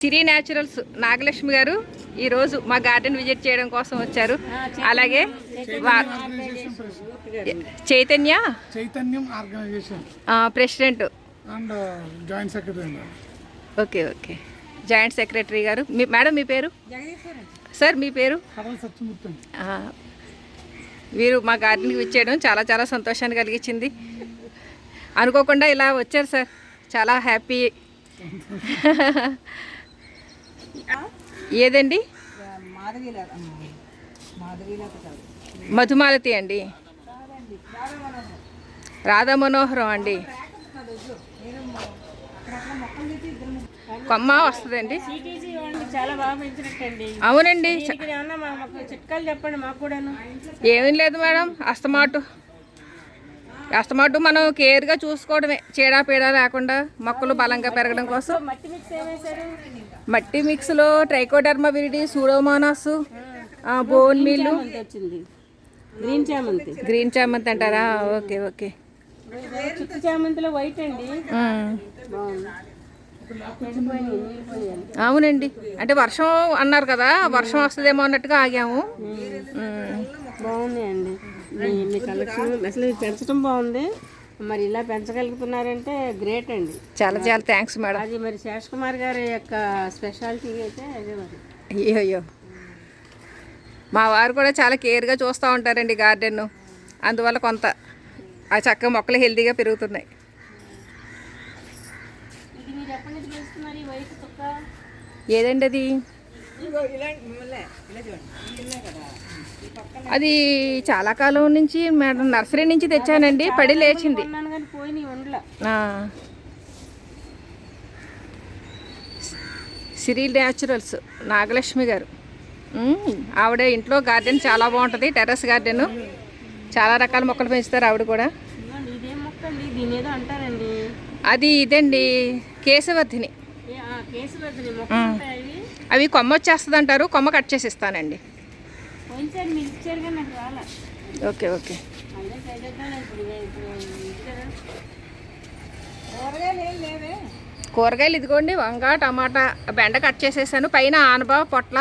సిరి naturals Nagalakshmi గారు ఈరోజు మా గార్డెన్ విజిట్ చేయడం కోసం వచ్చారు. అలాగే Chaitanyam organisation president and joint secretary. Okay okay, joint secretary గారు. మేడం మీ పేరు? సార్ మీ పేరు? వీరు మా గార్డెన్కి విచ్చేయడం చాలా చాలా సంతోషాన్ని కలిగించింది. అనుకోకుండా ఇలా వచ్చారు సార్, చాలా హ్యాపీ. ఏదండి? మధుమాలతి అండి, రాధా మనోహరం అండి. కొమ్మ వస్తుందండి. అవునండి. చిట్కాలు చెప్పండి మాకు కూడా. ఏమీ లేదు మేడం, అస్తమాటు మనం కేర్గా చూసుకోవడమే, చీడ లేకుండా మొక్కలు బలంగా పెరగడం కోసం. మట్టి మిక్స్లో trichoderma viride, pseudomonas, bone meal, green చామంతి అంటారా? Okay okay. చామంతిలో వైట్ అండి. అవునండి, అంటే వర్షం అన్నారు కదా, వర్షం వస్తుందేమో అన్నట్టుగా ఆగాము. బాగున్నాయండి మీ కలెక్షన్, అసలు పెంచడం బాగుంది. మరి ఇలా పెంచగలుగుతున్నారంటే గ్రేట్ అండి. చాలా చాలా థ్యాంక్స్ మేడం. అది మరి శేష్ కుమార్ గారి యొక్క స్పెషాలిటీ అయితే అదే మరి. అయ్యో, మా వారు కూడా చాలా కేర్గా చూస్తూ ఉంటారండి గార్డెన్, అందువల్ల కొంత ఆ చక్కగా మొక్కలు హెల్తీగా పెరుగుతున్నాయి. ఏదండి అది? అది చాలా కాలం నుంచి మేడం నర్సరీ నుంచి తెచ్చానండి, పడి లేచింది. సిరి న్యాచురల్స్ నాగలక్ష్మి గారు, ఆవిడ ఇంట్లో గార్డెన్ చాలా బాగుంటుంది, టెర్రస్ గార్డెన్, చాలా రకాల మొక్కలు పెంచుతారు ఆవిడ కూడా. అది ఇదండి కేశవర్ధిని. అవి కొమ్మ వచ్చేస్తుంది అంటారు, కొమ్మ కట్ చేసి ఇస్తానండి. Okay okay. కూరగాయలు ఇదిగోండి, వంగ, టమాటా, బెండ కట్ చేసేసాను. పైన ఆనబా పొట్ల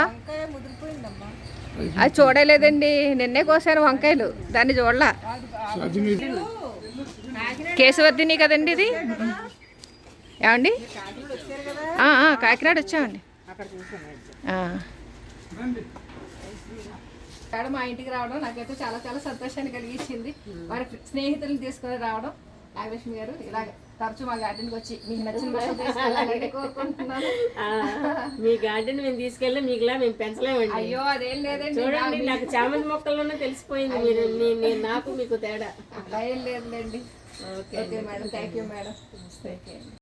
అది చూడలేదండి, నిన్నే కోసాను వంకాయలు, దాన్ని చూడలా. కేశవర్ధిని కదండి ఇది. ఏమండి? కాకినాడ వచ్చామండి. మేడం మా ఇంటికి రావడం నాకైతే చాలా చాలా సంతోషాన్ని కలిగించింది. వారి స్నేహితులను తీసుకొని రావడం. నాగలక్ష్మి గారు ఇలా తరచు మా గార్డెన్కి వచ్చి మీకు నచ్చిన కోరుకుంటున్నాను. మీ గార్డెన్ మేము తీసుకెళ్ళి మీకులా మేము పెంచలేమండి. అయ్యో అదేం లేదండి, చూడండి నాకు చామంతి మొక్కల్లోనే తెలిసిపోయింది మీరు నాకు మీకు తేడా. అలా ఏం లేదులేండి. Okay madam, thank you madam.